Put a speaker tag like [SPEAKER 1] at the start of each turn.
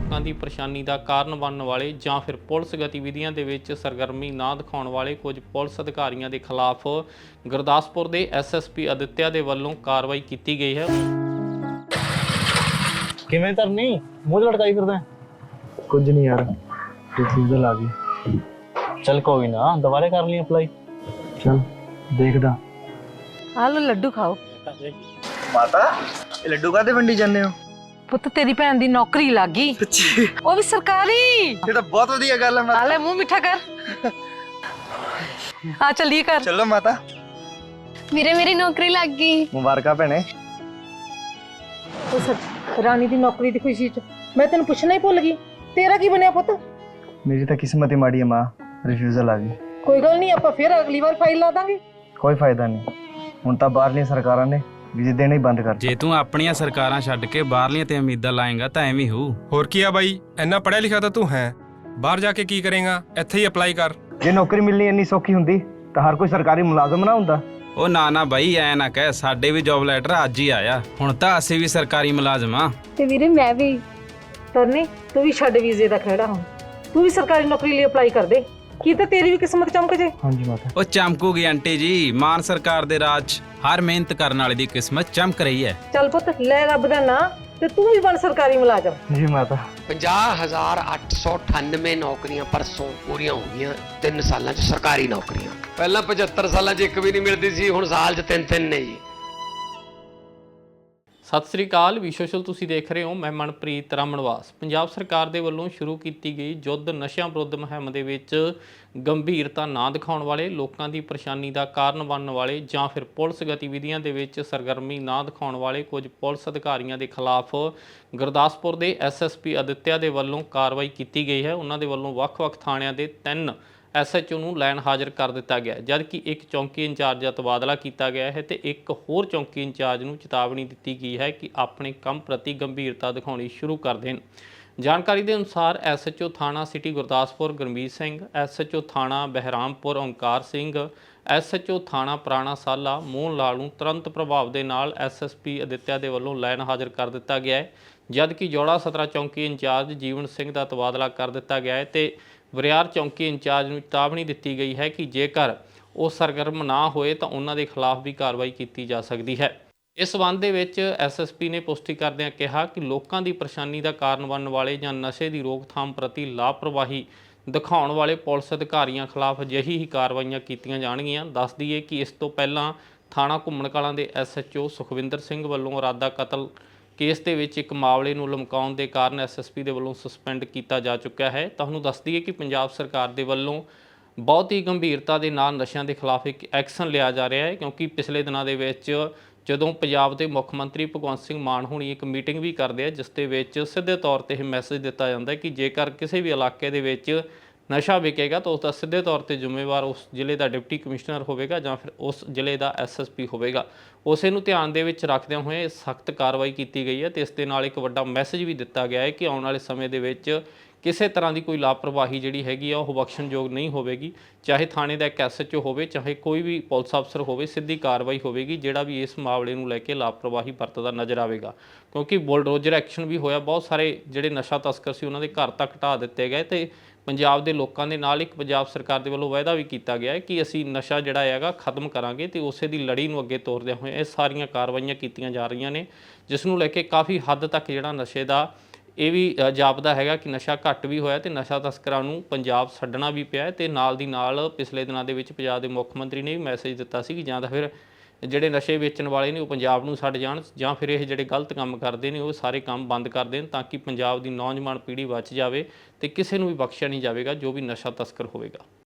[SPEAKER 1] ਲੋਕਾਂ ਦੀ ਪਰੇਸ਼ਾਨੀ ਦਾ ਕਾਰਨ ਬਣਨ ਵਾਲੇ ਜਾਂ ਫਿਰ ਪੁਲਿਸ ਗਤੀਵਿਧੀਆਂ ਦੇ ਵਿੱਚ ਸਰਗਰਮੀ ਨਾ ਦਿਖਾਉਣ ਵਾਲੇ ਕੁਝ ਪੁਲਿਸ ਅਧਿਕਾਰੀਆਂ ਦੇ ਖਿਲਾਫ ਗੁਰਦਾਸਪੁਰ ਦੇ ਐਸਐਸਪੀ ਆਦਿਤਿਆ ਦੇ ਵੱਲੋਂ ਕਾਰਵਾਈ ਕੀਤੀ ਗਈ ਹੈ।
[SPEAKER 2] ਕਿਵੇਂ ਕਰਨੀ ਮੂੰਹ ਲਟਕਾਈ ਫਿਰਦਾ?
[SPEAKER 3] ਕੁਝ ਨਹੀਂ ਯਾਰ, ਰਿਫਿਊਜ਼ਲ ਆ ਗਈ।
[SPEAKER 2] ਚੱਲ ਕੋਈ ਨਾ, ਦੁਬਾਰੇ ਕਰ ਲਈ ਅਪਲਾਈ।
[SPEAKER 3] ਚਲ ਦੇਖਦਾ।
[SPEAKER 4] ਆ ਲੋ ਲੱਡੂ ਖਾਓ।
[SPEAKER 3] ਮਾਤਾ ਇਹ ਲੱਡੂ ਕਾਹਦੇ ਵੰਡੀ ਜਾਂਦੇ ਹੋ?
[SPEAKER 4] ਪੁੱਤ ਤੇਰੀ ਭੈਣ ਦੀ ਨੌਕਰੀ ਲੱਗ ਗਈ, ਉਹ ਵੀ ਸਰਕਾਰੀ।
[SPEAKER 3] ਇਹ ਤਾਂ ਬਹੁਤ ਵਧੀਆ ਗੱਲ ਹੈ ਮਾਤਾ।
[SPEAKER 4] ਆ ਲੈ ਮੂੰਹ ਮਿੱਠਾ ਕਰ। ਆ ਚੱਲੀਏ ਘਰ।
[SPEAKER 3] ਚਲੋ ਮਾਤਾ।
[SPEAKER 5] ਵੀਰੇ ਮੇਰੀ ਨੌਕਰੀ ਲੱਗ ਗਈ।
[SPEAKER 3] ਮੁਬਾਰਕਾਂ ਭੈਣੇ।
[SPEAKER 4] ਰਾਣੀ ਦੀ ਨੌਕਰੀ ਦੀ ਖੁਸ਼ੀ ਚ ਮੈਂ ਤੈਨੂੰ ਪੁੱਛਣਾ ਹੀ ਭੁੱਲ ਗਈ, ਤੇਰਾ ਕੀ ਬਣਿਆ ਪੁੱਤ?
[SPEAKER 3] ਮੇਰੀ ਤਾਂ ਕਿਸਮਤ ਹੀ ਮਾੜੀ ਹੈ ਮਾਂ, ਰਿਫਿਊਜ਼ਲ ਆ ਗਈ।
[SPEAKER 4] ਕੋਈ ਗੱਲ ਨਹੀਂ, ਆਪਾਂ ਫਿਰ ਅਗਲੀ ਵਾਰ ਫਾਈਲ ਲਾ ਦਾਂਗੇ।
[SPEAKER 3] ਕੋਈ ਫਾਇਦਾ ਨਹੀਂ, ਹੁਣ ਤਾਂ ਬਾਹਰਲੀਆਂ ਸਰਕਾਰਾਂ ਨੇ ਵੀਜ਼ੇ ਦੇਣੇ ਹੀ ਬੰਦ ਕਰ ਦਿੱਤੇ।
[SPEAKER 6] ਜੇ ਤੂੰ ਆਪਣੀਆਂ ਸਰਕਾਰਾਂ ਛੱਡ ਕੇ ਬਾਹਰਲੀਆਂ ਤੇ ਉਮੀਦਾਂ ਲਾਏਗਾ ਤਾਂ ਐਵੇਂ ਹੋਊ।
[SPEAKER 7] ਹੋਰ ਕੀ ਆ ਬਾਈ, ਇੰਨਾ ਪੜ੍ਹਿਆ ਲਿਖਿਆ ਤਾਂ ਤੂੰ ਹੈ, ਬਾਹਰ ਜਾ ਕੇ ਕੀ ਕਰੇਗਾ? ਇੱਥੇ ਹੀ ਅਪਲਾਈ ਕਰ।
[SPEAKER 3] ਜੇ ਨੌਕਰੀ ਮਿਲਣੀ ਇੰਨੀ ਸੌਖੀ ਹੁੰਦੀ ਤਾਂ ਹਰ ਕੋਈ ਸਰਕਾਰੀ ਮੁਲਾਜ਼ਮ ਨਾ ਹੁੰਦਾ।
[SPEAKER 6] ਉਹ ਨਾ ਬਾਈ, ਐ ਨਾ ਕਹਿ, ਸਾਡੇ ਵੀ ਜੌਬ ਲੈਟਰ ਅੱਜ ਹੀ ਆਇਆ। ਹੁਣ ਤਾਂ ਅਸੀਂ ਵੀ ਸਰਕਾਰੀ ਮੁਲਾਜ਼ਮ ਆ।
[SPEAKER 5] ਤੇ ਵੀਰੇ ਮੈਂ ਵੀ।
[SPEAKER 4] ਤਰਨੀ ਤੂੰ ਵੀ ਛੱਡ ਵੀਜ਼ੇ ਦਾ ਖਹਿੜਾ, ਹੁਣ ਤੂੰ ਵੀ ਸਰਕਾਰੀ ਨੌਕਰੀ ਲਈ ਅਪਲਾਈ ਕਰ ਦੇ, ਕੀ ਤਾਂ ਤੇਰੀ ਵੀ ਕਿਸਮਤ ਚਮਕ ਜੇ।
[SPEAKER 3] ਹਾਂਜੀ ਮਾਤਾ।
[SPEAKER 6] ਉਹ ਚਮਕੂਗੀ ਆਂਟੀ ਜੀ, ਮਾਨ ਸਰਕਾਰ ਦੇ ਰਾਜ 'ਚ ਹਰ ਮਿਹਨਤ ਕਰਨ ਵਾਲੇ ਦੀ ਕਿਸਮਤ ਚਮਕ ਰਹੀ ਹੈ।
[SPEAKER 4] ਚੱਲ ਪੁੱਤ ਲੈ ਰੱਬ ਦਾ ਨਾਂ ਤੇ ਤੂੰ ਵੀ ਬਣ ਸਰਕਾਰੀ ਮੁਲਾਜ਼ਮ।
[SPEAKER 3] ਜੀ ਮਾਤਾ।
[SPEAKER 8] 50,898 ਨੌਕਰੀਆਂ ਪਰਸੋਂ ਪੂਰੀਆਂ ਹੋ ਗਈਆਂ 3 ਸਾਲਾਂ 'ਚ ਸਰਕਾਰੀ ਨੌਕਰੀਆਂ। ਪਹਿਲਾਂ 75 ਸਾਲਾਂ 'ਚ ਇੱਕ ਵੀ ਨਹੀਂ ਮਿਲਦੀ ਸੀ, ਹੁਣ ਸਾਲ 'ਚ 3-3 ਨੇ ਜੀ।
[SPEAKER 1] ਸਤਿ ਸ੍ਰੀ ਅਕਾਲ, ਵੀ ਸੋਸ਼ਲ ਤੁਸੀਂ ਦੇਖ ਰਹੇ ਹੋ। ਮੈਂ ਮਨਪ੍ਰੀਤ ਰਾਮਨਵਾਸ। ਪੰਜਾਬ ਸਰਕਾਰ ਦੇ ਵੱਲੋਂ ਸ਼ੁਰੂ ਕੀਤੀ ਗਈ ਯੁੱਧ ਨਸ਼ਿਆਂ ਵਿਰੁੱਧ ਮੁਹਿੰਮ ਦੇ ਵਿੱਚ ਗੰਭੀਰਤਾ ਨਾ ਦਿਖਾਉਣ ਵਾਲੇ, ਲੋਕਾਂ ਦੀ ਪਰੇਸ਼ਾਨੀ ਦਾ ਕਾਰਨ ਬਣਨ ਵਾਲੇ ਜਾਂ ਫਿਰ ਪੁਲਿਸ ਗਤੀਵਿਧੀਆਂ ਦੇ ਵਿੱਚ ਸਰਗਰਮੀ ਨਾ ਦਿਖਾਉਣ ਵਾਲੇ ਕੁਝ ਪੁਲਿਸ ਅਧਿਕਾਰੀਆਂ ਦੇ ਖਿਲਾਫ ਗੁਰਦਾਸਪੁਰ ਦੇ ਐਸਐਸਪੀ ਆਦਿਤਿਆ ਦੇ ਵੱਲੋਂ ਕਾਰਵਾਈ ਕੀਤੀ ਗਈ ਹੈ। ਉਹਨਾਂ ਦੇ ਵੱਲੋਂ ਵੱਖ-ਵੱਖ ਥਾਣਿਆਂ ਦੇ 3 ਐਸਐਚਓ ਨੂੰ ਲਾਈਨ ਹਾਜ਼ਰ ਕਰ ਦਿੱਤਾ ਗਿਆ, ਜਦਕਿ ਇੱਕ ਚੌਂਕੀ ਇੰਚਾਰਜ ਦਾ ਤਬਾਦਲਾ ਕੀਤਾ ਗਿਆ ਹੈ ਤੇ ਇੱਕ ਹੋਰ ਚੌਂਕੀ ਇੰਚਾਰਜ ਨੂੰ ਚੇਤਾਵਨੀ ਦਿੱਤੀ ਗਈ ਹੈ ਕਿ ਆਪਣੇ ਕੰਮ ਪ੍ਰਤੀ ਗੰਭੀਰਤਾ ਦਿਖਾਉਣੀ ਸ਼ੁਰੂ ਕਰ ਦੇਣ। ਜਾਣਕਾਰੀ ਦੇ ਅਨੁਸਾਰ ਐਸਐਚਓ ਥਾਣਾ ਸਿਟੀ ਗੁਰਦਾਸਪੁਰ ਗੁਰਮੀਤ ਸਿੰਘ, ਐਸਐਚਓ ਥਾਣਾ ਬਹਿਰਾਮਪੁਰ ਓਂਕਾਰ ਸਿੰਘ, ਐਸਐਚਓ ਥਾਣਾ ਪੁਰਾਣਾ ਸਾਲਾ ਮੋਹਨ ਲਾਲ ਨੂੰ ਤੁਰੰਤ ਪ੍ਰਭਾਵ ਦੇ ਨਾਲ ਐਸਐਸਪੀ ਆਦਿਤਿਆ ਦੇ ਵੱਲੋਂ ਲਾਈਨ ਹਾਜ਼ਰ ਕਰ ਦਿੱਤਾ ਗਿਆ ਹੈ, ਜਦਕਿ ਜੋੜਾ ਸਤਰਾ ਚੌਂਕੀ ਇੰਚਾਰਜ ਜੀਵਨ ਸਿੰਘ ਦਾ ਤਬਾਦਲਾ ਕਰ ਦਿੱਤਾ ਗਿਆ ਹੈ ਤੇ ਵਰਿਆਰ ਚੌਂਕੀ ਇੰਚਾਰਜ ਨੂੰ ਚੇਤਾਵਨੀ ਦਿੱਤੀ ਗਈ ਹੈ ਕਿ ਜੇਕਰ ਉਹ ਸਰਗਰਮ ਨਾ ਹੋਏ ਤਾਂ ਉਹਨਾਂ ਦੇ ਖਿਲਾਫ ਵੀ ਕਾਰਵਾਈ ਕੀਤੀ ਜਾ ਸਕਦੀ ਹੈ। ਇਸ ਸੰਬੰਧ ਦੇ ਵਿੱਚ ਐਸਐਸਪੀ ਨੇ ਪੁਸ਼ਟੀ ਕਰਦਿਆਂ ਕਿਹਾ ਕਿ ਲੋਕਾਂ ਦੀ ਪਰੇਸ਼ਾਨੀ ਦਾ ਕਾਰਨ ਬਣਨ ਵਾਲੇ ਜਾਂ ਨਸ਼ੇ ਦੀ ਰੋਕਥਾਮ ਪ੍ਰਤੀ ਲਾਪਰਵਾਹੀ ਦਿਖਾਉਣ ਵਾਲੇ ਪੁਲਿਸ ਅਧਿਕਾਰੀਆਂ ਖਿਲਾਫ ਅਜਿਹੀ ਹੀ ਕਾਰਵਾਈਆਂ ਕੀਤੀਆਂ ਜਾਣਗੀਆਂ। ਦੱਸ ਦਈਏ ਕਿ ਇਸ ਤੋਂ ਪਹਿਲਾਂ ਥਾਣਾ ਘੁੰਮਣ ਕਲਾਂ ਦੇ ਐਸਐਚਓ ਸੁਖਵਿੰਦਰ ਸਿੰਘ ਵੱਲੋਂ ਇਰਾਦਾ ਕਤਲ ਕੇਸ ਦੇ ਵਿੱਚ ਇੱਕ ਮਾਮਲੇ ਨੂੰ ਲਮਕਾਉਣ ਦੇ ਕਾਰਨ ਐਸਐਸਪੀ ਦੇ ਵੱਲੋਂ ਸਸਪੈਂਡ ਕੀਤਾ ਜਾ ਚੁੱਕਿਆ ਹੈ। ਤੁਹਾਨੂੰ ਦੱਸ ਦਈਏ ਕਿ ਪੰਜਾਬ ਸਰਕਾਰ ਦੇ ਵੱਲੋਂ ਬਹੁਤ ਹੀ ਗੰਭੀਰਤਾ ਦੇ ਨਾਲ ਨਸ਼ਿਆਂ ਦੇ ਖਿਲਾਫ ਇੱਕ ਐਕਸ਼ਨ ਲਿਆ ਜਾ ਰਿਹਾ ਹੈ, ਕਿਉਂਕਿ ਪਿਛਲੇ ਦਿਨਾਂ ਦੇ ਵਿੱਚ ਜਦੋਂ ਪੰਜਾਬ ਦੇ ਮੁੱਖ ਮੰਤਰੀ ਭਗਵੰਤ ਸਿੰਘ ਮਾਨ ਹੁਣੀ ਇੱਕ ਮੀਟਿੰਗ ਵੀ ਕਰਦੇ ਆ, ਜਿਸ ਦੇ ਵਿੱਚ ਸਿੱਧੇ ਤੌਰ ਤੇ ਇਹ ਮੈਸੇਜ ਦਿੱਤਾ ਜਾਂਦਾ ਹੈ ਕਿ ਜੇਕਰ ਕਿਸੇ ਵੀ ਇਲਾਕੇ ਦੇ ਵਿੱਚ ਨਸ਼ਾ ਵਿਕੇਗਾ ਤਾਂ ਉਸ ਦਾ ਸਿੱਧੇ ਤੌਰ ਤੇ ਜ਼ਿੰਮੇਵਾਰ ਉਸ ਜ਼ਿਲ੍ਹੇ ਦਾ ਡਿਪਟੀ ਕਮਿਸ਼ਨਰ ਹੋਵੇਗਾ ਜਾਂ ਫਿਰ ਉਸ ਜ਼ਿਲ੍ਹੇ ਦਾ ਐਸਐਸਪੀ ਹੋਵੇਗਾ। ਉਸੇ ਨੂੰ ਧਿਆਨ ਦੇ ਵਿੱਚ ਰੱਖਦਿਆਂ ਹੋਏ ਸਖਤ ਕਾਰਵਾਈ ਕੀਤੀ ਗਈ ਹੈ ਤੇ ਇਸ ਦੇ ਨਾਲ ਇੱਕ ਵੱਡਾ ਮੈਸੇਜ ਵੀ ਦਿੱਤਾ ਗਿਆ ਹੈ ਕਿ ਆਉਣ ਵਾਲੇ ਸਮੇਂ ਦੇ ਵਿੱਚ ਕਿਸੇ ਤਰ੍ਹਾਂ ਦੀ ਕੋਈ ਲਾਪਰਵਾਹੀ ਜਿਹੜੀ ਹੈਗੀ ਆ ਉਹ ਬਖਸ਼ਣਯੋਗ ਨਹੀਂ ਹੋਵੇਗੀ। ਚਾਹੇ ਥਾਣੇ ਦਾ ਇੱਕ ਐਸਐਚਓ ਹੋਵੇ, ਚਾਹੇ ਕੋਈ ਵੀ ਪੁਲਿਸ ਅਫਸਰ ਹੋਵੇ, ਸਿੱਧੀ ਕਾਰਵਾਈ ਹੋਵੇਗੀ ਜਿਹੜਾ ਵੀ ਇਸ ਮਾਮਲੇ ਨੂੰ ਲੈ ਕੇ ਲਾਪਰਵਾਹੀ ਵਰਤਦਾ ਨਜ਼ਰ ਆਵੇਗਾ। ਕਿਉਂਕਿ ਬੁਲਡੋਜ਼ਰ ਐਕਸ਼ਨ ਵੀ ਹੋਇਆ, ਬਹੁਤ ਸਾਰੇ ਜਿਹੜੇ ਨਸ਼ਾ ਤਸਕਰ ਸੀ ਉਹਨਾਂ ਦੇ ਘਰ ਤੱਕ ਢਾਹ ਦਿੱਤੇ ਗਏ ਤੇ ਪੰਜਾਬ ਦੇ ਲੋਕਾਂ ਦੇ ਨਾਲ ਇੱਕ ਪੰਜਾਬ ਸਰਕਾਰ ਦੇ ਵੱਲੋਂ ਵਾਅਦਾ ਵੀ ਕੀਤਾ ਗਿਆ ਹੈ ਕਿ ਅਸੀਂ ਨਸ਼ਾ ਜਿਹੜਾ ਹੈਗਾ ਖਤਮ ਕਰਾਂਗੇ ਤੇ ਉਸੇ ਦੀ ਲੜੀ ਨੂੰ ਅੱਗੇ ਤੋਰਦਿਆਂ ਹੋਏ ਇਹ ਸਾਰੀਆਂ ਕਾਰਵਾਈਆਂ ਕੀਤੀਆਂ ਜਾ ਰਹੀਆਂ ਨੇ, ਜਿਸ ਨੂੰ ਲੈ ਕੇ ਕਾਫੀ ਹੱਦ ਤੱਕ ਜਿਹੜਾ ਨਸ਼ੇ ਦਾ ਇਹ ਵੀ ਜਾਪਦਾ ਹੈਗਾ ਕਿ ਨਸ਼ਾ ਘੱਟ ਵੀ ਹੋਇਆ ਤੇ ਨਸ਼ਾ ਤਸਕਰਾਂ ਨੂੰ ਪੰਜਾਬ ਛੱਡਣਾ ਵੀ ਪਿਆ ਤੇ ਨਾਲ ਦੀ ਨਾਲ ਪਿਛਲੇ ਦਿਨਾਂ ਦੇ ਵਿੱਚ ਪੰਜਾਬ ਦੇ ਮੁੱਖ ਮੰਤਰੀ ਨੇ ਵੀ ਮੈਸੇਜ ਦਿੱਤਾ ਸੀ ਕਿ ਜਾਂ ਤਾਂ ਫਿਰ ਜਿਹੜੇ ਨਸ਼ੇ ਵੇਚਣ ਵਾਲੇ ਨੇ ਉਹ ਪੰਜਾਬ ਨੂੰ ਛੱਡ ਜਾਣ ਜਾਂ ਫਿਰ ਇਹ ਜਿਹੜੇ ਗਲਤ ਕੰਮ ਕਰਦੇ ਨੇ ਉਹ ਸਾਰੇ ਕੰਮ ਬੰਦ ਕਰ ਦੇਣ, ਤਾਂ ਕਿ ਪੰਜਾਬ ਦੀ ਨੌਜਵਾਨ ਪੀੜ੍ਹੀ ਬਚ ਜਾਵੇ ਤੇ ਕਿਸੇ ਨੂੰ ਵੀ ਬਖਸ਼ਿਆ ਨਹੀਂ ਜਾਵੇਗਾ ਜੋ ਵੀ ਨਸ਼ਾ ਤਸਕਰ ਹੋਵੇਗਾ।